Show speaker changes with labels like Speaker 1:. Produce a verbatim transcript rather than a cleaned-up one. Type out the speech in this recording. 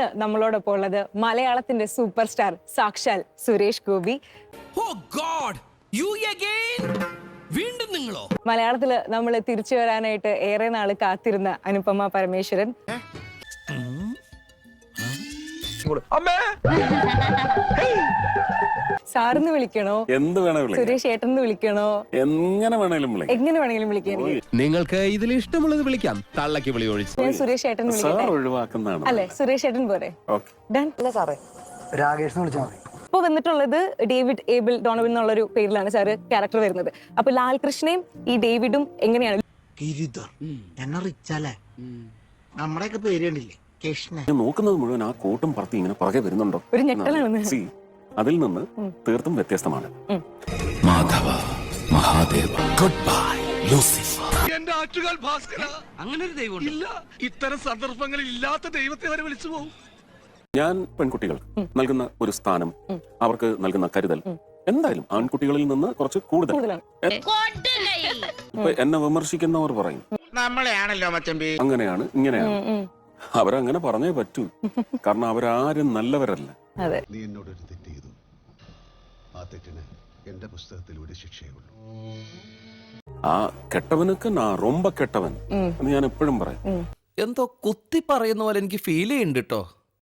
Speaker 1: ഇന്ന് നമ്മളോടൊപ്പം ഉള്ളത് മലയാളത്തിന്റെ സൂപ്പർ സ്റ്റാർ സാക്ഷാൽ Suresh Gopi.
Speaker 2: Oh God! You again? വീണ്ടും നിങ്ങളോ?
Speaker 1: മലയാളത്തില് നമ്മൾ തിരിച്ചു വരാനായിട്ട് ഏറെ നാള് കാത്തിരുന്ന അനുപമ പരമേശ്വരൻ. സാറിന്ന് വിളിക്കണോ,
Speaker 3: എന്ത് വേണേലും
Speaker 1: സുരേഷ് ഏട്ടൻ വിളിക്കണോ,
Speaker 3: എങ്ങനെ വേണേലും
Speaker 1: എങ്ങനെ വേണമെങ്കിലും വിളിക്കാൻ.
Speaker 4: നിങ്ങൾക്ക് ഇതിൽ ഇഷ്ടമുള്ളത് വിളിക്കാം. തള്ളക്ക് വിളി ഒഴിച്ച്
Speaker 1: ഞാൻ സുരേഷ് ഏട്ടൻ
Speaker 3: സാർ ഒഴിവാക്കുന്നതാണ്
Speaker 1: അല്ലെ? സുരേഷ് ഏട്ടൻ പോരെ? ഡൺ അല്ല സാറേ?
Speaker 5: രാകേഷ് വിളിച്ചാൽ മതി.
Speaker 1: ഇപ്പൊ വന്നിട്ടുള്ളത് ഡേവിഡ് ഏബിൾ ഡോണോവൻ എന്നുള്ളൊരു പേരിലാണ് സാറ് ക്യാരക്ടർ വരുന്നത്. അപ്പൊ ലാൽ കൃഷ്ണയും ഈ ഡേവിഡും എങ്ങനെയാണ്?
Speaker 5: എന്നെ റിച്ചല്ലേ നമ്മുടെയൊക്കെ പേര് കണ്ടില്ലേ?
Speaker 3: ഞാൻ നോക്കുന്നത് മുഴുവൻ ആ കോട്ടും പറത്തി ഇങ്ങനെ പുറകെ വരുന്നുണ്ടോ?
Speaker 1: ഒരു ഞെട്ടലാണ്.
Speaker 3: സി അതിൽ നിന്ന് തീർത്തും വ്യത്യസ്തമാണ്.
Speaker 2: Madhava Mahadeva good bye Lucifer.
Speaker 6: എന്റെ ആറ്റുകാൽ ഭാസ്കര, അങ്ങനെ ഒരു ദൈവം ഇല്ല. ഇത്തരം സന്ദർഭങ്ങളിൽ ഇല്ലാത്ത ദൈവത്തെ വരെ വിളിച്ചു പോകും.
Speaker 3: ഞാൻ പെൺകുട്ടികൾ നൽകുന്ന ഒരു സ്ഥാനം, അവർക്ക് നൽകുന്ന കരുതൽ എന്തായാലും ആൺകുട്ടികളിൽ നിന്ന് കുറച്ച് കൂടുതൽ. ഇപ്പൊ എന്നെ വിമർശിക്കുന്നവർ പറയും
Speaker 6: നമ്മളെയാണല്ലോ മച്ചമ്പി,
Speaker 3: അങ്ങനെയാണ് ഇങ്ങനെയാണ്. അവരങ്ങനെ പറഞ്ഞേ പറ്റൂ, കാരണം അവരാരും നല്ലവരല്ല.
Speaker 7: നീ എന്നോടൊരു തെറ്റ് ചെയ്തു. ആ തെറ്റിന് എന്റെ പുസ്തകത്തിലൂടെ ശിക്ഷയുള്ളൂ.
Speaker 3: ആ കെട്ടവനൊക്കെ നാ റൊമ്പ കെട്ടവൻ എന്ന് ഞാൻ എപ്പോഴും പറയും.
Speaker 2: എന്തോ കുത്തി പറയുന്ന പോലെ എനിക്ക് ഫീൽ ചെയ്യുന്നുണ്ട് കേട്ടോ.